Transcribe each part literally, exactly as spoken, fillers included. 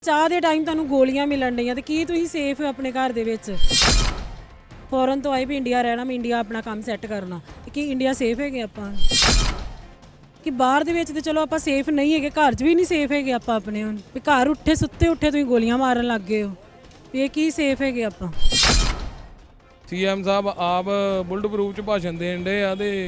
ਚਾਹ ਦੇ ਟਾਈਮ ਤੁਹਾਨੂੰ ਗੋਲੀਆਂ ਮਿਲਣ ਡਈਆਂ ਤੇ ਕੀ ਤੁਸੀਂ ਸੇਫ ਹੋ ਆਪਣੇ ਘਰ ਦੇ ਵਿੱਚ? ਫੋਰਨ ਤੋਂ ਆਏ ਵੀ ਇੰਡੀਆ ਰਹਿਣਾ, ਮੈਂ ਇੰਡੀਆ ਆਪਣਾ ਕੰਮ ਸੈੱਟ ਕਰਨਾ, ਤੇ ਕੀ ਇੰਡੀਆ ਸੇਫ ਹੈਗੇ ਆਪਾਂ? ਕਿ ਬਾਹਰ ਦੇ ਵਿੱਚ ਤੇ ਚਲੋ ਆਪਾਂ ਸੇਫ ਨਹੀਂ ਹੈਗੇ, ਘਰ 'ਚ ਵੀ ਨਹੀਂ ਸੇਫ ਹੈਗੇ ਆਪਾਂ ਆਪਣੇ। ਹੁਣ ਵੀ ਘਰ ਉੱਠੇ ਸੁੱਤੇ ਉੱਠੇ ਤੁਸੀਂ ਗੋਲੀਆਂ ਮਾਰਨ ਲੱਗ ਗਏ ਹੋ, ਵੀ ਇਹ ਕੀ ਸੇਫ ਹੈਗੇ ਆਪਾਂ? ਸੀਐਮ ਸਾਹਿਬ ਆਪ ਬੁਲਟ ਪ੍ਰੂਫ ਚ ਭਾਸ਼ਣ ਦੇਣ ਦੇ ਆ ਤੇ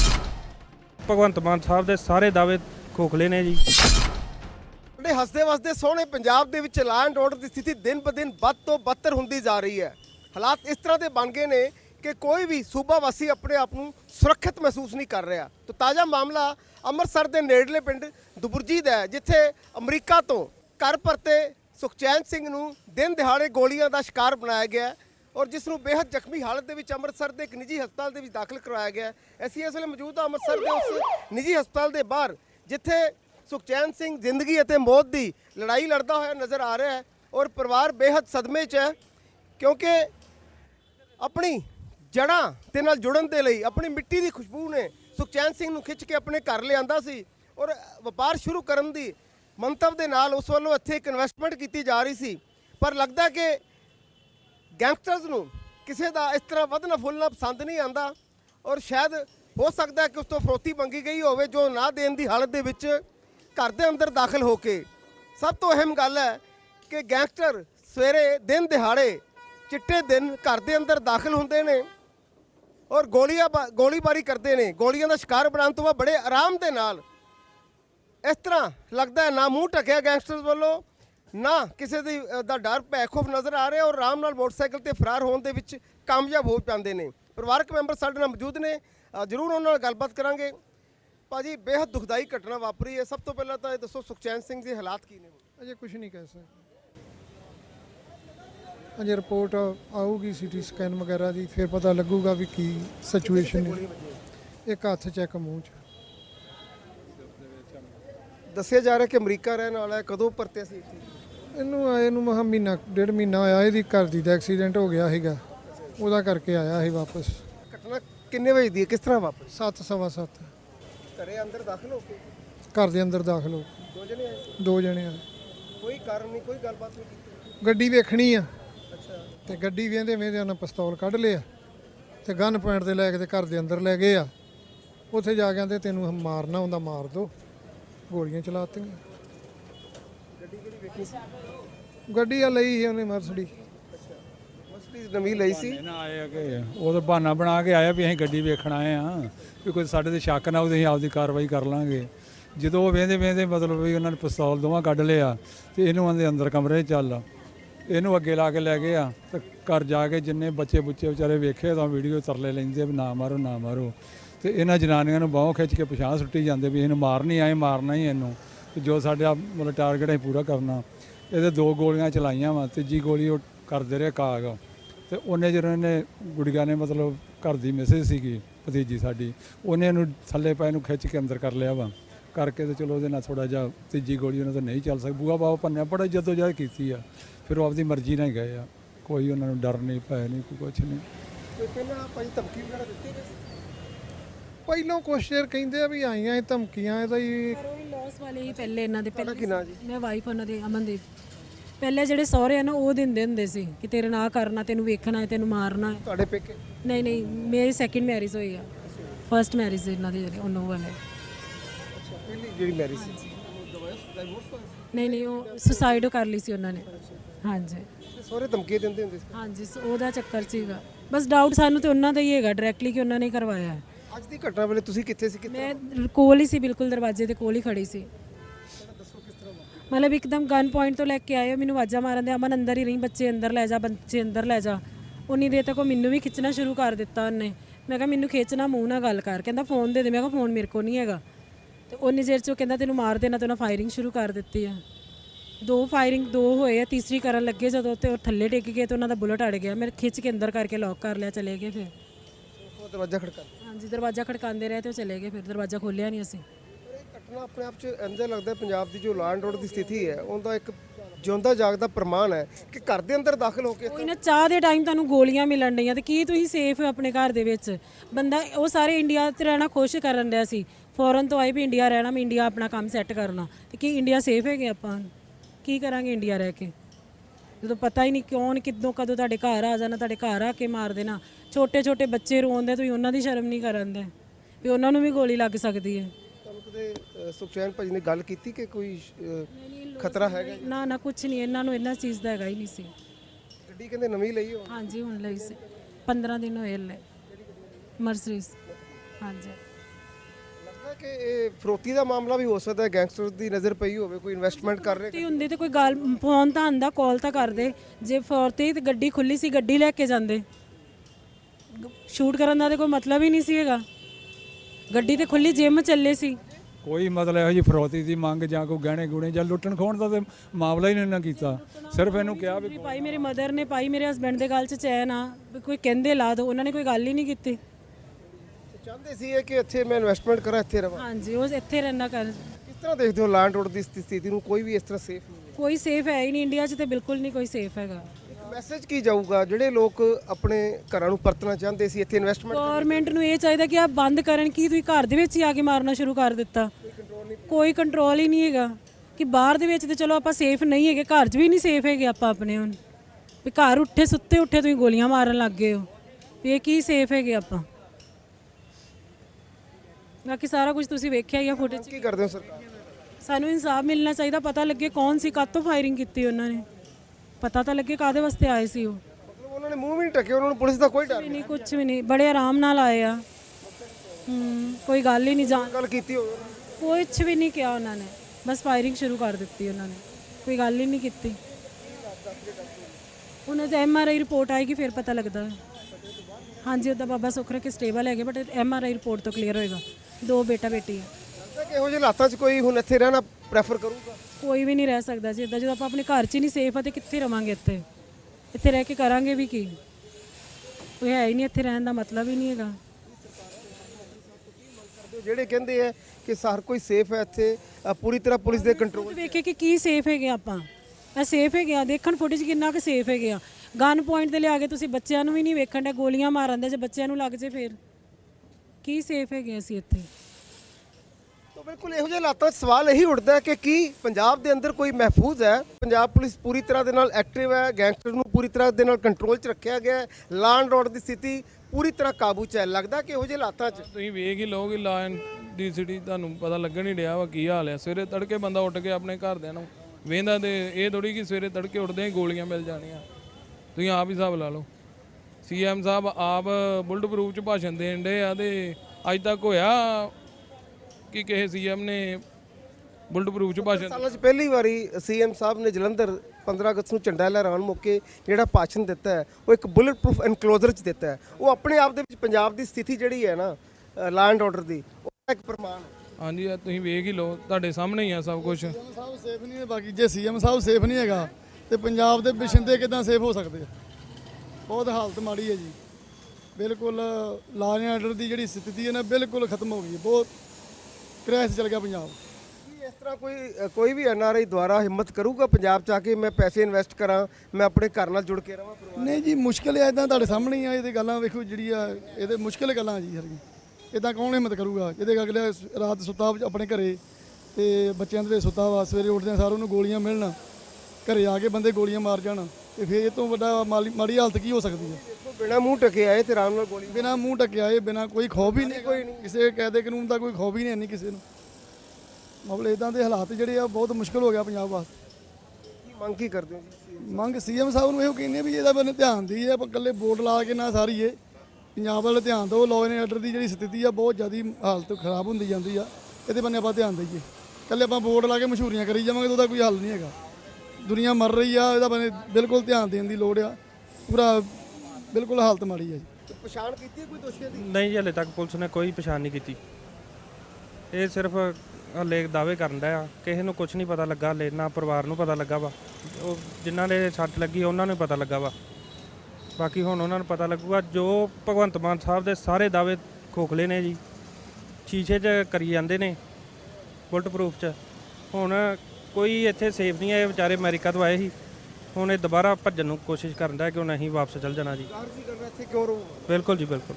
ਭਗਵੰਤ ਮਾਨ ਸਾਹਿਬ ਦੇ ਸਾਰੇ ਦਾਅਵੇ ਖੋਖਲੇ ਨੇ ਜੀ। ਸਾਡੇ ਹੱਸਦੇ ਵਸਦੇ ਸੋਹਣੇ ਪੰਜਾਬ ਦੇ ਵਿੱਚ ਲਾਅ ਐਂਡ ਆਰਡਰ ਦੀ ਸਥਿਤੀ ਦਿਨ ਬ ਦਿਨ ਵੱਧ ਤੋਂ ਬੱਤਰ ਹੁੰਦੀ ਜਾ ਰਹੀ ਹੈ। ਹਾਲਾਤ ਇਸ ਤਰ੍ਹਾਂ ਦੇ ਬਣ ਗਏ ਨੇ ਕਿ ਕੋਈ ਵੀ ਸੂਬਾ ਵਾਸੀ ਆਪਣੇ ਆਪ ਨੂੰ ਸੁਰੱਖਿਅਤ ਮਹਿਸੂਸ ਨਹੀਂ ਕਰ ਰਿਹਾ। ਤਾਂ ਤਾਜ਼ਾ ਮਾਮਲਾ ਅੰਮ੍ਰਿਤਸਰ ਦੇ ਨੇੜਲੇ ਪਿੰਡ ਦੁਬੁਰਜੀ ਦਾ ਹੈ, ਜਿੱਥੇ ਅਮਰੀਕਾ ਤੋਂ ਘਰ ਪਰਤੇ ਸੁਖਚੈਨ ਸਿੰਘ ਨੂੰ ਦਿਨ ਦਿਹਾੜੇ ਗੋਲੀਆਂ ਦਾ ਸ਼ਿਕਾਰ ਬਣਾਇਆ ਗਿਆ ਹੈ ਔਰ ਜਿਸ ਨੂੰ ਬੇहद ਜ਼ਖਮੀ ਹਾਲਤ ਦੇ ਵਿੱਚ ਅੰਮ੍ਰਿਤਸਰ ਦੇ ਇੱਕ ਨਿੱਜੀ ਹਸਪਤਾਲ ਦੇ ਵਿੱਚ ਦਾਖਲ ਕਰਵਾਇਆ ਗਿਆ ਹੈ। ਅਸੀਂ ਇਸ ਵੇਲੇ ਮੌਜੂਦ ਹਾਂ ਅੰਮ੍ਰਿਤਸਰ ਦੇ ਉਸ ਨਿੱਜੀ ਹਸਪਤਾਲ ਦੇ ਬਾਹਰ, ਜਿੱਥੇ ਸੁਖਚੈਨ ਸਿੰਘ ਜ਼ਿੰਦਗੀ ਅਤੇ ਮੌਤ ਦੀ ਲੜਾਈ ਲੜਦਾ ਹੋਇਆ ਨਜ਼ਰ ਆ ਰਿਹਾ ਹੈ ਔਰ ਪਰਿਵਾਰ ਬੇहद ਸਦਮੇ 'ਚ ਹੈ, ਕਿਉਂਕਿ ਆਪਣੀ ਜੜ੍ਹਾਂ ਦੇ ਨਾਲ ਜੁੜਨ ਦੇ ਲਈ ਆਪਣੀ ਮਿੱਟੀ ਦੀ ਖੁਸ਼ਬੂ ਨੇ ਸੁਖਚੈਨ ਸਿੰਘ ਨੂੰ ਖਿੱਚ ਕੇ ਆਪਣੇ ਘਰ ਲਿਆਂਦਾ ਸੀ ਔਰ ਵਪਾਰ ਸ਼ੁਰੂ ਕਰਨ ਦੀ ਮੰਤਵ ਦੇ ਨਾਲ ਉਸ ਵੱਲੋਂ ਇੱਥੇ ਇੱਕ ਇਨਵੈਸਟਮੈਂਟ ਕੀਤੀ ਜਾ ਰਹੀ ਸੀ। ਪਰ ਲੱਗਦਾ ਕਿ ਗੈਂਗਸਟਰਸ ਨੂੰ ਕਿਸੇ ਦਾ ਇਸ ਤਰ੍ਹਾਂ ਵਧਣਾ ਫੁੱਲਣਾ ਪਸੰਦ ਨਹੀਂ ਆਉਂਦਾ ਔਰ ਸ਼ਾਇਦ ਹੋ ਸਕਦਾ ਕਿ ਉਸ ਤੋਂ ਫਰੋਤੀ ਮੰਗੀ ਗਈ ਹੋਵੇ, ਜੋ ਨਾ ਦੇਣ ਦੀ ਹਾਲਤ ਦੇ ਵਿੱਚ ਘਰ ਦੇ ਅੰਦਰ ਦਾਖਲ ਹੋ ਕੇ। ਸਭ ਤੋਂ ਅਹਿਮ ਗੱਲ ਹੈ ਕਿ ਗੈਂਗਸਟਰ ਸਵੇਰੇ ਦਿਨ ਦਿਹਾੜੇ ਚਿੱਟੇ ਦਿਨ ਘਰ ਦੇ ਅੰਦਰ ਦਾਖਲ ਹੁੰਦੇ ਨੇ ਔਰ ਗੋਲੀਆਂ ਗੋਲੀਬਾਰੀ ਕਰਦੇ ਨੇ। ਗੋਲੀਆਂ ਦਾ ਸ਼ਿਕਾਰ ਬਣਾਉਣ ਤੋਂ ਬਾਅਦ ਬੜੇ ਆਰਾਮ ਦੇ ਨਾਲ ਇਸ ਤਰ੍ਹਾਂ ਲੱਗਦਾ ਹੈ ਨਾ ਮੂੰਹ ਢੱਕਿਆ ਗੈਂਗਸਟਰਸ ਵੱਲੋਂ, ਨਾ ਕਿਸੇ ਦੀ ਦਾ ਡਰ ਭੈ ਖੌਫ ਨਜ਼ਰ ਆ ਰਿਹਾ ਔਰ ਆਰਾਮ ਨਾਲ ਮੋਟਰਸਾਈਕਲ ਤੇ ਫਰਾਰ ਹੋਣ ਦੇ ਵਿੱਚ ਕਾਮਯਾਬ ਹੋ ਜਾਂਦੇ ਨੇ। ਪਰਿਵਾਰਕ ਮੈਂਬਰ ਸਾਡੇ ਨਾਲ ਮੌਜੂਦ ਨੇ, ਜ਼ਰੂਰ ਉਹਨਾਂ ਨਾਲ ਗੱਲਬਾਤ ਕਰਾਂਗੇ। ਭਾਜੀ, ਬੇहद ਦੁਖਦਾਈ ਘਟਨਾ ਵਾਪਰੀ ਹੈ। ਸਭ ਤੋਂ ਪਹਿਲਾਂ ਤਾਂ ਇਹ ਦੱਸੋ ਸੁਖਚੈਨ ਸਿੰਘ ਦੇ ਹਾਲਾਤ ਕੀ ਨੇ? ਅਜੇ ਕੁਝ ਨਹੀਂ ਕਹਿ ਸਕਦੇ, ਅਜੇ ਰਿਪੋਰਟ ਆਊਗੀ ਸੀਟੀ ਸਕੈਨ ਵਗੈਰਾ ਦੀ, ਫਿਰ ਪਤਾ ਲੱਗੂਗਾ ਵੀ ਕੀ ਸਿਚੁਏਸ਼ਨ ਹੈ। ਇੱਕ ਹੱਥ 'ਚ ਇੱਕ ਮੂੰਹ 'ਚ। ਦੱਸਿਆ ਜਾ ਰਿਹਾ ਕਿ ਅਮਰੀਕਾ ਰਹਿਣ ਵਾਲਾ ਹੈ, ਕਦੋਂ ਪਰਤਿਆ ਸੀ ਇੱਥੇ? ਇਹਨੂੰ ਆਏ ਨੂੰ ਮਹਾ ਮਹੀਨਾ ਡੇਢ ਮਹੀਨਾ ਹੋਇਆ। ਇਹਦੀ ਘਰ ਦੀ ਦਾ ਐਕਸੀਡੈਂਟ ਹੋ ਗਿਆ ਸੀਗਾ, ਉਹਦਾ ਕਰਕੇ ਆਇਆ ਸੀ ਵਾਪਸ। ਘਟਨਾ ਕਿੰਨੇ ਵਜੇ ਦੀ ਹੈ, ਕਿਸ ਤਰ੍ਹਾਂ ਵਾਪਸ? ਸੱਤ ਸਵਾ ਸੱਤ ਘਰੇ ਅੰਦਰ ਦਾਖਲ ਹੋ ਕੇ? ਘਰ ਦੇ ਅੰਦਰ ਦਾਖਲ ਹੋ ਦੋ ਜਣੇ ਆਏ? ਦੋ ਜਣੇ ਆਏ। ਕੋਈ ਕਾਰਨ ਨਹੀਂ, ਕੋਈ ਗੱਲਬਾਤ ਨਹੀਂ ਕੀਤੀ? ਗੱਡੀ ਵੇਖਣੀ ਆ ਅੱਛਾ। ਤੇ ਗੱਡੀ ਵੇਂਦੇ ਵੇਂਦੇ ਉਹਨਾਂ ਪਿਸਤੌਲ ਕੱਢ ਲਿਆ ਤੇ ਗਨ ਪੁਆਇੰਟ ਤੇ ਲੈ ਕੇ ਤੇ ਘਰ ਦੇ ਅੰਦਰ ਲੈ ਗਏ ਆ। ਉੱਥੇ ਜਾ ਕੇ ਕਹਿੰਦੇ ਤੈਨੂੰ ਮਾਰਨਾ ਹੁੰਦਾ ਮਾਰ ਦੋ, ਗੋਲੀਆਂ ਚਲਾਤੀਆਂ। ਗੱਡੀ ਕਿਹੜੀ ਵੇਖੀ ਸੀ? ਗੱਡੀ ਆ ਲਈ ਸੀ ਉਹਨੇ ਮਰਸਡੀ। ਅੱਛਾ, ਮਰਸਡੀਜ਼ ਨਵੀਂ ਲਈ ਸੀ? ਨਾ ਆਏ ਕਿ ਉਹ ਤਾਂ ਬਹਾਨਾ ਬਣਾ ਕੇ ਆਇਆ ਵੀ ਅਸੀਂ ਗੱਡੀ ਵੇਖਣ ਆਏ ਆ, ਵੀ ਕੋਈ ਸਾਡੇ ਤੇ ਸ਼ੱਕ ਨਾ ਹੋਵੇ ਅਸੀਂ ਆਪਦੀ ਕਾਰਵਾਈ ਕਰ ਲਾਂਗੇ। ਜਦੋਂ ਉਹ ਵੇਂਦੇ ਵੇਂਦੇ ਮਤਲਬ ਵੀ ਉਹਨਾਂ ਨੇ ਪਿਸਤੌਲ ਦੋਵਾਂ ਕੱਢ ਲਿਆ ਤੇ ਇਹਨੂੰ ਆਂਦੇ ਅੰਦਰ ਕਮਰੇ 'ਚ ਚੱਲ, ਇਹਨੂੰ ਅੱਗੇ ਲਾ ਕੇ ਲੈ ਗਏ ਆ। ਤੇ ਘਰ ਜਾ ਕੇ ਜਿੰਨੇ ਬੱਚੇ ਬੁੱਚੇ ਵਿਚਾਰੇ ਵੇਖੇ ਤਾਂ ਵੀਡੀਓ ਤਰਲੇ ਲੈਂਦੇ ਵੀ ਨਾ ਮਾਰੋ ਨਾ ਮਾਰੋ। ਤੇ ਇਹਨਾਂ ਜਨਾਨੀਆਂ ਨੂੰ ਬਾਹੋਂ ਖਿੱਚ ਕੇ ਪਛਾਣ ਸੁੱਟੀ ਜਾਂਦੇ ਵੀ ਇਹਨੂੰ ਮਾਰਨੀ ਆਏ, ਮਾਰਨਾ ਹੀ ਇਹਨੂੰ, ਤੇ ਜੋ ਸਾਡਾ ਮਤਲਬ ਟਾਰਗੇਟ ਹੈ ਪੂਰਾ ਕਰਨਾ। ਇਹਦੇ ਦੋ ਗੋਲੀਆਂ ਚਲਾਈਆਂ ਵਾ, ਤੀਜੀ ਗੋਲੀ ਉਹ ਕਰਦੇ ਰਹੇ ਕਾਗ। ਤੇ ਉਹਨੇ ਜਦੋਂ ਇਹਨੇ ਗੁੜੀਆ ਨੇ ਮਤਲਬ ਘਰ ਦੀ ਮੈਸੇਜ ਸੀਗੀ ਭਤੀਜੀ ਸਾਡੀ, ਉਹਨੇ ਇਹਨੂੰ ਥੱਲੇ ਪੈ ਨੂੰ ਖਿੱਚ ਕੇ ਅੰਦਰ ਕਰ ਲਿਆ ਵਾ ਕਰਕੇ। ਤੇ ਚਲੋ ਉਹਦੇ ਨਾਲ ਥੋੜ੍ਹਾ ਜਿਹਾ ਤੀਜੀ ਗੋਲੀ ਉਹਨਾਂ ਤੋਂ ਨਹੀਂ ਚੱਲ ਸਕਦੀ। ਬੂਆ ਬਾਬਾ ਪੰਨਿਆ ਬੜਾ ਜਦੋਂ ਜਦ ਕੀਤੀ ਆ, ਫਿਰ ਉਹ ਆਪਦੀ ਮਰਜ਼ੀ ਨਾਲ ਗਏ ਆ। ਕੋਈ ਉਹਨਾਂ ਨੂੰ ਡਰ ਨਹੀਂ, ਭੈ ਨਹੀਂ, ਕੋਈ ਕੁਛ ਨਹੀਂ। ਕੋਈ ਪਹਿਲਾਂ ਭਾਈ ਧਮਕੀ ਵਗੈਰਾ ਦਿੱਤੀ ਗਈ ਸੀ? ਪਹਿਲੋਂ ਕੁਛ ਚਿਰ ਕਹਿੰਦੇ ਆ ਵੀ ਆਈਆਂ ਇਹ ਧਮਕੀਆਂ, ਇਹਦਾ ਹੀ ਪਰ ਉਹ ਲੌਸ ਵਾਲੇ ਹੀ ਪਹਿਲੇ ਇਹਨਾਂ ਦੇ ਤੁਹਾਡਾ ਕੀ ਨਾਂ ਜੀ? ਮੈਂ ਵਾਈਫ ਉਹਨਾਂ ਦੀ ਅਮਨਦੀਪ। ਪਹਿਲੇ ਜਿਹੜੇ ਸਹੁਰੇ ਆ ਨਾ ਉਹ ਦਿੰਦੇ ਹੁੰਦੇ ਸੀ ਕਿ ਤੇਰੇ ਨਾਲ ਕਰਨਾ, ਤੈਨੂੰ ਵੇਖਣਾ ਹੈ, ਤੈਨੂੰ ਮਾਰਨਾ ਹੈ। ਤੁਹਾਡੇ ਪੇਕੇ? ਨਹੀਂ ਨਹੀਂ, ਮੇਰੀ ਸੈਕਿੰਡ ਮੈਰਿਜ ਹੋਈ ਆ, ਫਰਸਟ ਮੈਰਿਜ ਇਹਨਾਂ ਦੀ ਜਿਹੜੀ ਉਹਨੂੰ ਵਾਲੇ। ਅੱਛਾ, ਪਹਿਲੀ ਜਿਹੜੀ ਮੈਰਿਜ ਸੀ? ਨਹੀਂ ਨਹੀਂ, ਉਹ ਸੁਸਾਈਡ ਕਰ ਲਈ ਸੀ ਉਹਨਾਂ ਨੇ। ਹਾਂਜੀ ਸਹੁਰੇ ਧਮਕੀ ਦਿੰਦੇ ਹੁੰਦੇ ਸੀ? ਹਾਂਜੀ, ਸ- ਉਹਦਾ ਚੱਕਰ ਸੀਗਾ। ਬਸ ਡਾਊਟ ਸਾਨੂੰ ਤੇ ਉਹਨਾਂ ਦਾ ਹੀ ਹੈਗਾ ਡਾਇਰੈਕਟਲੀ ਕਿ ਉਹਨਾਂ ਨੇ ਕਰਵਾਇਆ ਹੈ। ਅੱਜ ਦੀ ਘਟਨਾ ਵੇਲੇ ਤੁਸੀਂ ਕਿੱਥੇ ਸੀ? ਕਿੱਥੇ? ਮੈਂ ਕੋਲ ਹੀ ਸੀ, ਬਿਲਕੁਲ ਦਰਵਾਜ਼ੇ ਦੇ ਕੋਲ ਹੀ ਖੜੀ ਸੀ। ਮਤਲਬ ਇੱਕਦਮ ਗਨ ਪੁਆਇੰਟ ਤੋਂ ਲੈ ਕੇ ਆਏ, ਮੈਨੂੰ ਆਵਾਜ਼ਾਂ ਮਾਰਨ ਦੇ, ਅਮਨ ਅੰਦਰ ਹੀ ਰਹੀ, ਬੱਚੇ ਅੰਦਰ ਲੈ ਜਾ, ਬੱਚੇ ਅੰਦਰ ਲੈ ਜਾ। ਉਨੀ ਦੇਰ ਤੱਕ ਉਹ ਮੈਨੂੰ ਵੀ ਖਿੱਚਣਾ ਸ਼ੁਰੂ ਕਰ ਦਿੱਤਾ ਉਹਨੇ। ਮੈਂ ਕਿਹਾ ਮੈਨੂੰ ਖਿੱਚਣਾ, ਮੂੰਹ ਨਾਲ ਗੱਲ ਕਰ। ਕਹਿੰਦਾ ਫੋਨ ਦੇ ਦੇ। ਮੈਂ ਕਿਹਾ ਫੋਨ ਮੇਰੇ ਕੋਲ ਨਹੀਂ ਹੈਗਾ। ਤੇ ਉਨੀ ਦੇਰ 'ਚ ਉਹ ਕਹਿੰਦਾ ਤੈਨੂੰ ਮਾਰ ਦੇਣਾ, ਤੇ ਉਹਨਾਂ ਫਾਇਰਿੰਗ ਸ਼ੁਰੂ ਕਰ ਦਿੱਤੀ ਆ। ਦੋ ਫਾਇਰਿੰਗ ਦੋ ਹੋਏ ਆ, ਤੀਸਰੀ ਕਰਨ ਲੱਗੇ ਜਦੋਂ ਤੇ ਉਹ ਥੱਲੇ ਡਿੱਗ ਗਏ ਤੇ ਉਹਨਾਂ ਦਾ ਬੁਲਟ ਅੜ ਗਿਆ। ਮੇਰੇ ਖਿੱਚ ਕੇ ਅੰਦਰ ਕਰਕੇ ਲੌਕ ਕਰ ਲਿਆ, ਚਲੇ ਗਏ। ਫਿਰ ਉਹ ਦਰਵਾਜ਼ਾ ਖੜਕਾ? ਹਾਂਜੀ, ਦਰਵਾਜ਼ਾ ਖੜਕਾਉਂਦੇ ਰਹੇ ਤੇ ਉਹ ਚਲੇ ਗਏ। ਫਿਰ ਦਰਵਾਜ਼ਾ ਖੋਲ੍ਹਿਆ ਨਹੀਂ ਅਸੀਂ। ਇਹ ਘਟਨਾ ਆਪਣੇ ਆਪ 'ਚ ਇੰਝ ਲੱਗਦਾ ਪੰਜਾਬ ਦੀ ਜੋ ਲਾਅ ਐਂਡ ਆਰਡਰ ਦੀ ਸਥਿਤੀ ਹੈ ਉਹਦਾ ਇੱਕ ਜਿਉਂਦਾ ਜਾਗਦਾ ਪ੍ਰਮਾਣ ਹੈ ਕਿ ਘਰ ਦੇ ਅੰਦਰ ਦਾਖਲ ਹੋ ਕੇ ਕੋਈ ਨਾ ਚਾਹ ਦੇ ਟਾਈਮ ਤੁਹਾਨੂੰ ਗੋਲੀਆਂ ਮਿਲਣ ਡਈਆਂ ਤੇ ਕੀ ਤੁਸੀਂ ਸੇਫ ਹੋ ਆਪਣੇ ਘਰ ਦੇ ਵਿੱਚ? ਬੰਦਾ ਉਹ ਸਾਰੇ ਇੰਡੀਆ 'ਤੇ ਰਹਿਣਾ ਖੁਸ਼ ਕਰਨ ਰਿਹਾ ਸੀ, ਫੋਰਨ ਤੋਂ ਆਏ ਵੀ ਇੰਡੀਆ ਰਹਿਣਾ, ਮੈਂ ਇੰਡੀਆ ਆਪਣਾ ਕੰਮ ਸੈੱਟ ਕਰਨਾ, ਤੇ ਕੀ ਇੰਡੀਆ ਸੇਫ ਹੈਗੇ ਆਪਾਂ? ਕੀ ਕਰਾਂਗੇ ਇੰਡੀਆ ਰਹਿ ਕੇ, ਜਦੋਂ ਪਤਾ ਹੀ ਨਹੀਂ ਕੌਣ ਕਿੱਦੋਂ ਕਦੋਂ ਤੁਹਾਡੇ ਘਰ ਆ ਜਾਣਾ, ਤੁਹਾਡੇ ਘਰ ਆ ਕੇ ਮਾਰ ਦੇਣਾ। ਛੋਟੇ ਛੋਟੇ ਬੱਚੇ ਰੋਂਦੇ, ਤੁਸੀਂ ਉਹਨਾਂ ਦੀ ਸ਼ਰਮ ਨਹੀਂ ਕਰਨ ਦੇ ਵੀ ਉਹਨਾਂ ਨੂੰ ਵੀ ਗੋਲੀ ਲੱਗ ਸਕਦੀ ਹੈ। ਤੁਹਾਨੂੰ ਕਦੇ ਅ, ਸੁਖਚੈਨ ਭਾਜੀ ਨੇ ਗੱਲ ਕੀਤੀ ਕਿ ਕੋਈ ਅ, ਖਤਰਾ ਹੈਗਾ? ਨਾ ਨਾ ਕੁਝ ਨਹੀਂ, ਇਹਨਾਂ ਨੂੰ ਇਹਨਾਂ ਚੀਜ਼ ਦਾ ਹੈਗਾ ਹੀ ਨਹੀਂ ਸੀ। ਗੱਡੀ ਕਹਿੰਦੇ ਨਵੀਂ ਲਈ ਹੋ? ਹਾਂਜੀ ਹੁਣ ਲਈ ਸੀ, ਪੰਦਰਾਂ ਦਿਨ ਹੋਏ ਲੈ ਮਰਸੀਡੀਜ਼। ਹਾਂਜੀ ਲੱਗਦਾ ਕਿ ਇਹ ਫਰੋਤੀ ਦਾ ਮਾਮਲਾ ਵੀ ਹੋ ਸਕਦਾ ਹੈ, ਗੈਂਗਸਟਰ ਦੀ ਨਜ਼ਰ ਪਈ ਹੋਵੇ, ਕੋਈ ਇਨਵੈਸਟਮੈਂਟ ਕਰ ਰਹੇ। ਤੇ ਹੁੰਦੀ ਤੇ ਕੋਈ ਗੱਲ ਫੋਨ ਤਾਂ ਆਂਦਾ, ਕਾਲ ਤਾਂ ਕਰਦੇ। ਜੇ ਫੋਰਤੀ ਤੇ ਗੱਡੀ ਖੁੱਲੀ ਸੀ, ਗੱਡੀ ਲੈ ਕੇ ਜਾਂਦੇ। ਸ਼ੂਟ ਕਰਨ ਦਾ ਤੇ ਕੋਈ ਮਤਲਬ ਹੀ ਨਹੀਂ ਸੀ ਹੈਗਾ, ਗੱਡੀ ਤੇ ਖੁੱਲੀ, ਜਿਮ ਚੱਲੇ ਸੀ। ਕੋਈ ਮਤਲਬ ਇਹੋ ਜਿਹੀ ਫਰੋਤੀ ਦੀ ਮੰਗ ਜਾਂ ਕੋਈ ਗਹਿਣੇ ਗੁਣੇ ਜਾਂ ਲੁੱਟਣ ਖੋਣ ਦਾ ਤੇ ਮਾਮਲਾ ਹੀ ਨਹੀਂ ਇਹਨਾਂ ਕੀਤਾ। ਸਿਰਫ ਇਹਨੂੰ ਕਿਹਾ ਵੀ ਮੇਰੀ ਪਾਈ, ਮੇਰੇ ਮਦਰ ਨੇ ਪਾਈ, ਮੇਰੇ ਹਸਬੈਂਡ ਦੇ ਗੱਲ 'ਚ ਚੈਨ ਆ ਵੀ ਕੋਈ ਕਹਿੰਦੇ ਲਾ ਦੋ, ਉਹਨਾਂ ਨੇ ਕੋਈ ਗੱਲ ਹੀ ਨਹੀਂ ਕੀਤੀ। ਚਾਹੁੰਦੇ ਸੀ ਇਹ ਕਿ ਇੱਥੇ ਮੈਂ ਇਨਵੈਸਟਮੈਂਟ ਕਰਾਂ, ਇੱਥੇ ਰਵਾਂ। ਹਾਂਜੀ ਉਹ ਇੱਥੇ ਰਹਿਣਾ ਕਰ। ਕਿਸ ਤਰ੍ਹਾਂ ਦੇਖਦੇ ਹੋ ਲੈਂਡ ਰੋਡ ਦੀ ਸਥਿਤੀ ਨੂੰ? ਕੋਈ ਵੀ ਇਸ ਤਰ੍ਹਾਂ ਸੇਫ ਨਹੀਂ ਹੈ। ਕੋਈ ਸੇਫ ਹੈ ਹੀ ਨਹੀਂ ਇੰਡੀਆ 'ਚ, ਤੇ ਬਿਲਕੁਲ ਨਹੀਂ ਕੋਈ ਸੇਫ ਹੈਗਾ। ਮੈਸੇਜ ਕੀ ਜਾਊਗਾ ਜਿਹੜੇ ਲੋਕ ਆਪਣੇ ਘਰਾਂ ਨੂੰ ਪਰਤਣਾ ਚਾਹੁੰਦੇ ਸੀ, ਇੱਥੇ ਇਨਵੈਸਟਮੈਂਟ? ਗਵਰਨਮੈਂਟ ਨੂੰ ਇਹ ਚਾਹੀਦਾ ਕਿ ਆ ਬੰਦ ਕਰਨ। ਕੀ ਤੁਸੀਂ ਘਰ ਦੇ ਵਿੱਚ ਹੀ ਆ ਕੇ ਮਾਰਨਾ ਸ਼ੁਰੂ ਕਰ ਦਿੱਤਾ? ਕੋਈ ਕੰਟਰੋਲ ਹੀ ਨਹੀਂ ਹੈਗਾ ਕਿ ਬਾਹਰ ਦੇ ਵਿੱਚ ਤੇ ਚਲੋ ਆਪਾਂ ਸੇਫ ਨਹੀਂ ਹੈਗੇ, ਘਰ 'ਚ ਵੀ ਨਹੀਂ ਸੇਫ ਹੈਗੇ ਆਪਾਂ ਆਪਣੇ। ਹੁਣ ਵੀ ਘਰ ਉੱਠੇ ਸੁੱਤੇ ਉੱਠੇ ਤੁਸੀਂ ਗੋਲੀਆਂ ਮਾਰਨ ਲੱਗ ਗਏ ਹੋ, ਵੀ ਇਹ ਕੀ ਸੇਫ ਹੈਗੇ ਆਪਾਂ? ਬਾਕੀ ਸਾਰਾ ਕੁਝ ਤੁਸੀਂ ਵੇਖਿਆ ਹੀ ਆ ਫੁਟੇਜ। ਕੀ ਕਰਦੇ ਹੋ ਸਰਕਾਰ? ਸਾਨੂੰ ਇਨਸਾਫ ਮਿਲਣਾ ਚਾਹੀਦਾ, ਪਤਾ ਲੱਗੇ ਕੌਣ ਸੀ, ਕਾਹਤੋਂ ਫਾਇਰਿੰਗ ਕੀਤੀ ਉਹਨਾਂ ਨੇ, ਪਤਾ ਤਾਂ ਲੱਗੇ ਕਾਹਦੇ ਵਾਸਤੇ ਆਏ ਸੀ ਉਹ। ਮਤਲਬ ਉਹਨਾਂ ਨੇ ਮੂੰਹ ਵੀ ਨਹੀਂ ਢੱਕਿਆ, ਉਹਨਾਂ ਨੂੰ ਪੁਲਿਸ ਦਾ ਕੋਈ ਡਰ ਵੀ ਨਹੀਂ, ਕੁਝ ਵੀ ਨਹੀਂ, ਬੜੇ ਆਰਾਮ ਨਾਲ ਆਏ ਆ। ਹੂੰ ਕੋਈ ਗੱਲ ਹੀ ਨਹੀਂ, ਜਾਣ ਗੱਲ ਕੀਤੀ ਹੋਵੇ? ਕੁਛ ਵੀ ਨਹੀਂ ਕਿਹਾ ਉਹਨਾਂ ਨੇ, ਬਸ ਫਾਇਰਿੰਗ ਸ਼ੁਰੂ ਕਰ ਦਿੱਤੀ ਉਹਨਾਂ ਨੇ, ਕੋਈ ਗੱਲ ਹੀ ਨਹੀਂ ਕੀਤੀ। ਉਹਨਾਂ ਦੀ ਐਮ ਆਰ ਆਈ ਰਿਪੋਰਟ ਆਏਗੀ ਫਿਰ ਪਤਾ ਲੱਗਦਾ ਹੈ। ਹਾਂਜੀ ਉਹਦਾ ਬਾਬਾ ਸੁੱਖ ਰੱਖੇ ਸਟੇਬਲ ਹੈਗੇ, but M R I report ਤੋਂ ਕਲੀਅਰ ਹੋਏਗਾ। ਦੋ ਬੇਟਾ ਬੇਟੀ ਹੈ। ਲੱਗਦਾ ਕਿ ਇਹੋ ਜਿਹੇ ਹਾਲਾਤਾਂ 'ਚ ਕੋਈ ਹੁਣ ਇੱਥੇ ਰਹਿਣਾ ਪ੍ਰੈਫਰ ਕਰੂਗਾ? ਕੋਈ ਵੀ ਨਹੀਂ ਰਹਿ ਸਕਦਾ ਜੀ ਇੱਦਾਂ, ਜਦੋਂ ਆਪਾਂ ਆਪਣੇ ਘਰ 'ਚ ਹੀ ਨਹੀਂ ਸੇਫ ਆ ਤੇ ਕਿੱਥੇ ਰਵਾਂਗੇ? ਇੱਥੇ ਇੱਥੇ ਰਹਿ ਕੇ ਕਰਾਂਗੇ ਵੀ ਕੀ? ਕੋਈ ਹੈ ਹੀ ਨਹੀਂ, ਇੱਥੇ ਰਹਿਣ ਦਾ ਮਤਲਬ ਹੀ ਨਹੀਂ ਹੈਗਾ। ਜਿਹੜੇ ਕਹਿੰਦੇ ਆ ਕਿ ਹਰ ਕੋਈ ਸੇਫ ਹੈ ਇੱਥੇ, ਅ, ਪੂਰੀ ਤਰ੍ਹਾਂ ਪੁਲਿਸ ਦੇ ਕੰਟਰੋਲ। ਵੇਖੇ ਕਿ ਕੀ ਸੇਫ ਹੈਗੇ ਆਪਾਂ, ਇਹ ਸੇਫ ਹੈਗੇ ਆ? ਦੇਖਣ ਫੁਟੇਜ ਕਿੰਨਾ ਕੁ ਸੇਫ ਹੈਗੇ ਆ। ਗਨ ਪੁਆਇੰਟ ਤੇ ਲਿਆ ਕੇ ਤੁਸੀਂ ਬੱਚਿਆਂ ਨੂੰ ਵੀ ਨਹੀਂ ਵੇਖਣ ਦੇ, ਗੋਲੀਆਂ ਮਾਰਨ ਦੇ। ਜੇ ਬੱਚਿਆਂ ਨੂੰ ਲੱਗ ਜੇ ਫਿਰ ਕੀ ਸੇਫ ਹੈਗੇ ਅਸੀਂ ਇੱਥੇ? ਤਾਂ ਬਿਲਕੁਲ ਇਹੋ ਜਿਹੇ ਹਾਲਾਤਾਂ 'ਚ ਸਵਾਲ ਇਹੀ ਉੱਠਦਾ ਹੈ ਕਿ ਕੀ ਪੰਜਾਬ ਦੇ ਅੰਦਰ ਕੋਈ ਮਹਿਫੂਜ਼ ਹੈ? ਪੰਜਾਬ ਪੁਲਿਸ ਪੂਰੀ ਤਰ੍ਹਾਂ ਦੇ ਨਾਲ ਐਕਟਿਵ ਹੈ, ਗੈਂਗਸਟਰ ਨੂੰ ਪੂਰੀ ਤਰ੍ਹਾਂ ਦੇ ਨਾਲ ਕੰਟਰੋਲ 'ਚ ਰੱਖਿਆ ਗਿਆ ਹੈ, ਲਾਅ ਐਂਡ ਆਰਡਰ ਦੀ ਸਥਿਤੀ ਪੂਰੀ ਤਰ੍ਹਾਂ ਕਾਬੂ 'ਚ ਹੈ। ਲੱਗਦਾ ਕਿ ਇਹੋ ਜਿਹੇ ਹਾਲਾਤਾਂ 'ਚ ਤੁਸੀਂ ਵੇਖ ਹੀ ਲਓਗੇ ਲਾਅ ਦੀ ਸਿਟੀ, ਤੁਹਾਨੂੰ ਪਤਾ ਲੱਗਣ ਹੀ ਡਿਆ ਵਾ ਕੀ ਹਾਲ ਹੈ। ਸਵੇਰੇ ਤੜਕੇ ਬੰਦਾ ਉੱਠ ਕੇ ਆਪਣੇ ਘਰਦਿਆਂ ਨੂੰ ਵੇਂਦਾ, ਤੇ ਇਹ ਥੋੜੀ ਕਿ ਸਵੇਰੇ ਤੜਕੇ ਉੱਠਦੇ ਹੀ ਗੋਲੀਆਂ ਮਿਲ ਜਾਣੀਆਂ। ਤੁਸੀਂ ਆਪ ਹੀ ਹਿਸਾਬ ਲਾ ਲਓ। ਸੀ ਐਮ ਸਾਹਿਬ ਆਪ ਬੁਲਟ ਪ੍ਰੂਫ 'ਚ ਭਾਸ਼ਣ ਦੇਣ ਡੇ ਆ, ਤੇ ਅੱਜ ਤੱਕ ਹੋਇਆ ਕਿ ਕਿਸੇ ਸੀ ਐਮ ਨੇ ਬੁਲਟ ਪ੍ਰੂਫ 'ਚ ਭਾਸ਼ਣ? ਸਾਲਾਂ 'ਚ ਪਹਿਲੀ ਵਾਰੀ ਸੀਐਮ ਸਾਹਿਬ ਨੇ ਜਲੰਧਰ ਪੰਦਰਾਂ ਅਗਸਤ ਨੂੰ ਝੰਡਾ ਲਹਿਰਾਉਣ ਮੌਕੇ ਜਿਹੜਾ ਭਾਸ਼ਣ ਦਿੱਤਾ ਹੈ, ਉਹ ਇੱਕ ਬੁਲਟ ਪ੍ਰੂਫ ਐਨਕਲੋਜ਼ਰ 'ਚ ਦਿੱਤਾ ਹੈ। ਉਹ ਆਪਣੇ ਆਪ ਦੇ ਵਿੱਚ ਪੰਜਾਬ ਦੀ ਸਥਿਤੀ ਜਿਹੜੀ ਹੈ ਨਾ, ਲਾਅ ਐਂਡ ਆਰਡਰ ਦੀ, ਉਹ ਇੱਕ ਪ੍ਰਮਾਣ ਹੈ। ਹਾਂਜੀ ਆ ਤੁਸੀਂ ਵੇਖ ਹੀ ਲਓ, ਤੁਹਾਡੇ ਸਾਹਮਣੇ ਹੀ ਆ ਸਭ ਕੁਝ। ਸਾਹਿਬ ਸੇਫ ਨਹੀਂ ਹੈ, ਬਾਕੀ ਜੇ ਸੀਐਮ ਸਾਹਿਬ ਸੇਫ ਨਹੀਂ ਹੈਗਾ ਤੇ ਪੰਜਾਬ ਦੇ ਬਸ਼ਿੰਦੇ ਕਿਦਾਂ ਸੇਫ ਹੋ ਸਕਦੇ ਆ? ਬਹੁਤ ਹਾਲਤ ਮਾੜੀ ਹੈ ਜੀ, ਬਿਲਕੁਲ ਲਾਅ ਐਂਡ ਆਰਡਰ ਦੀ ਜਿਹੜੀ ਸਥਿਤੀ ਹੈ ਨਾ, ਬਿਲਕੁਲ ਖਤਮ ਹੋ ਗਈ ਹੈ। ਬਹੁਤ ਕ੍ਰੈਸ਼ ਚੱਲ ਗਿਆ ਪੰਜਾਬ। ਕੀ ਇਸ ਤਰ੍ਹਾਂ ਕੋਈ ਕੋਈ ਵੀ ਐਨ ਆਰ ਆਈ ਦੁਆਰਾ ਹਿੰਮਤ ਕਰੂਗਾ ਪੰਜਾਬ 'ਚ ਆ ਕੇ ਮੈਂ ਪੈਸੇ ਇਨਵੈਸਟ ਕਰਾਂ, ਮੈਂ ਆਪਣੇ ਘਰ ਨਾਲ ਜੁੜ ਕੇ ਰਵਾਂ? ਪਰਿਵਾਰ ਨਹੀਂ ਜੀ, ਮੁਸ਼ਕਿਲ ਹੈ ਇਦਾਂ, ਤੁਹਾਡੇ ਸਾਹਮਣੇ ਹੀ ਆ। ਇਹਦੇ ਗੱਲਾਂ ਵੇਖੋ ਜਿਹੜੀ ਆ, ਇਹਦੇ ਮੁਸ਼ਕਿਲ ਗੱਲਾਂ ਜੀ ਸਾਰੀਆਂ। ਇਦਾਂ ਕੌਣ ਹਿੰਮਤ ਕਰੂਗਾ? ਇਹਦੇ ਅਗਲੇ ਰਾਤ ਸੁੱਤਾ ਆਪਣੇ ਘਰੇ ਤੇ ਬੱਚਿਆਂ ਦੇ ਸੁੱਤਾ ਵਾ, ਸਵੇਰੇ ਉੱਠਦੇ ਸਾਰ ਉਹਨੂੰ ਗੋਲੀਆਂ ਮਿਲਣ, ਘਰੇ ਆ ਕੇ ਬੰਦੇ ਗੋਲੀਆਂ ਮਾਰ ਜਾਣ, ਤੇ ਫਿਰ ਇਹ ਤੋਂ ਵੱਡਾ ਮਾਲੀ- ਮਾੜੀ ਹਾਲਤ ਕੀ ਹੋ ਸਕਦੀ ਹੈ? ਬਿਨਾਂ ਮੂੰਹ ਢਕੇ ਆਏ ਤੇ ਆਰਾਮ ਨਾਲ ਗੋਲੀ। ਬਿਨਾਂ ਮੂੰਹ ਢੱਕਿਆ ਆਏ, ਬਿਨਾਂ ਕੋਈ ਖੌਫ ਹੀ ਨਹੀਂ, ਕੋਈ ਕਿਸੇ ਕਾਇਦੇ ਕਾਨੂੰਨ ਦਾ ਕੋਈ ਖੌਫ ਹੀ ਨਹੀਂ, ਨਹੀਂ ਕਿਸੇ ਨੂੰ। ਮਤਲਬ ਇਦਾਂ ਦੇ ਹਾਲਾਤ ਜਿਹੜੇ ਆ, ਬਹੁਤ ਮੁਸ਼ਕਲ ਹੋ ਗਿਆ ਪੰਜਾਬ ਵਾਸਤੇ। ਕੀ ਮੰਗ ਕੀ ਕਰਦੇ ਹੋ ਜੀ? ਮੰਗ ਸੀਐਮ ਸਾਹਿਬ ਨੂੰ ਇਹੋ ਕਹਿੰਦੇ ਆ ਵੀ ਇਹਦਾ ਬੰਨੇ ਧਿਆਨ ਦੇਈਏ, ਆਪਾਂ ਇਕੱਲੇ ਬੋਰਡ ਲਾ ਕੇ ਨਾ ਸਾਰੀਏ, ਪੰਜਾਬ ਵੱਲ ਧਿਆਨ ਦਿਓ। ਲਾਅ ਐਂਡ ਆਰਡਰ ਦੀ ਜਿਹੜੀ ਸਥਿਤੀ ਆ, ਬਹੁਤ ਜ਼ਿਆਦਾ ਹਾਲਤ ਖਰਾਬ ਹੁੰਦੀ ਜਾਂਦੀ ਆ, ਇਹਦੇ ਬੰਨੇ ਆਪਾਂ ਧਿਆਨ ਦੇਈਏ। ਇਕੱਲੇ ਆਪਾਂ ਬੋਰਡ ਲਾ ਕੇ ਮਸ਼ਹੂਰੀਆਂ ਕਰੀ ਜਾਵਾਂਗੇ ਤਾਂ ਉਹਦਾ ਕੋਈ ਹੱਲ ਨਹੀਂ ਹੈਗਾ। ਦੁਨੀਆ ਮਰ ਰਹੀ ਆ, ਇਹਦਾ ਬੰਨੇ ਬਿਲਕੁਲ ਧਿਆਨ ਦੇਣ ਦੀ ਲੋੜ ਆ। ਪੂਰਾ ਬਿਲਕੁਲ ਹਾਲਤ ਮਾੜੀ ਆ ਜੀ। ਪਛਾਣ ਕੀਤੀ ਹੈ ਕੋਈ ਦੋਸ਼ੀਆਂ ਦੀ? ਨਹੀਂ ਜੀ, ਹਲੇ ਤੱਕ ਪੁਲਿਸ ਨੇ ਕੋਈ ਪਛਾਣ ਨਹੀਂ ਕੀਤੀ। ਇਹ ਸਿਰਫ ਹਲੇ ਦਾਅਵੇ ਕਰਨ ਦਾ ਆ, ਕਿਸੇ ਨੂੰ ਕੁਝ ਨਹੀਂ ਪਤਾ ਲੱਗਾ ਹਲੇ, ਨਾ ਪਰਿਵਾਰ ਨੂੰ ਪਤਾ ਲੱਗਾ ਵਾ। ਉਹ ਜਿਨ੍ਹਾਂ ਦੇ ਸੱਟ ਲੱਗੀ ਉਹਨਾਂ ਨੂੰ ਪਤਾ ਲੱਗਾ ਵਾ, ਬਾਕੀ ਹੁਣ ਉਹਨਾਂ ਨੂੰ ਪਤਾ ਲੱਗੂਗਾ। ਜੋ ਭਗਵੰਤ ਮਾਨ ਸਾਹਿਬ ਦੇ ਸਾਰੇ ਦਾਅਵੇ ਖੋਖਲੇ ਨੇ ਜੀ, ਸ਼ੀਸ਼ੇ 'ਚ ਕਰੀ ਜਾਂਦੇ ਨੇ ਬੁਲਟ ਪ੍ਰੂਫ 'ਚ। ਹੁਣ ਕੋਈ ਇੱਥੇ ਸੇਫ ਨਹੀਂ ਹੈ। ਇਹ ਵਿਚਾਰੇ ਅਮਰੀਕਾ ਤੋਂ ਆਏ ਸੀ, ਹੁਣ ਇਹ ਦੁਬਾਰਾ ਭੱਜਣ ਨੂੰ ਕੋਸ਼ਿਸ਼ ਕਰਨ ਦਾ ਕਿ ਹੁਣ ਅਸੀਂ ਵਾਪਸ ਚੱਲ ਜਾਣਾ ਜੀ। ਸਰਕਾਰ ਜੀ ਕਰਨਾ ਇੱਥੇ ਕਿਉਂ ਰਹੂਗਾ? ਬਿਲਕੁਲ ਜੀ, ਬਿਲਕੁਲ।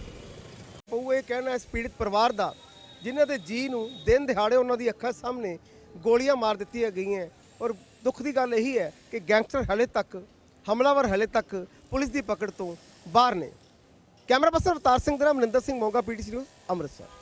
ਉਹ ਇਹ ਕਹਿਣਾ ਇਸ ਪੀੜਿਤ ਪਰਿਵਾਰ ਦਾ, ਜਿਨ੍ਹਾਂ ਦੇ ਜੀ ਨੂੰ ਦਿਨ ਦਿਹਾੜੇ ਉਹਨਾਂ ਦੀ ਅੱਖਾਂ ਸਾਹਮਣੇ ਗੋਲੀਆਂ ਮਾਰ ਦਿੱਤੀਆਂ ਗਈਆਂ, ਔਰ ਦੁੱਖ ਦੀ ਗੱਲ ਇਹੀ ਹੈ ਕਿ ਗੈਂਗਸਟਰ ਹਲੇ ਤੱਕ, ਹਮਲਾਵਰ ਹਲੇ ਤੱਕ ਪੁਲਿਸ ਦੀ ਪਕੜ ਤੋਂ ਬਾਹਰ ਨੇ। ਕੈਮਰਾ ਪਰਸਨ ਅਵਤਾਰ ਸਿੰਘ ਦੇ ਨਾਲ ਮਨਿੰਦਰ ਸਿੰਘ ਮੋਗਾ, ਪੀਟੀਸੀ ਨਿਊਜ਼, ਅੰਮ੍ਰਿਤਸਰ।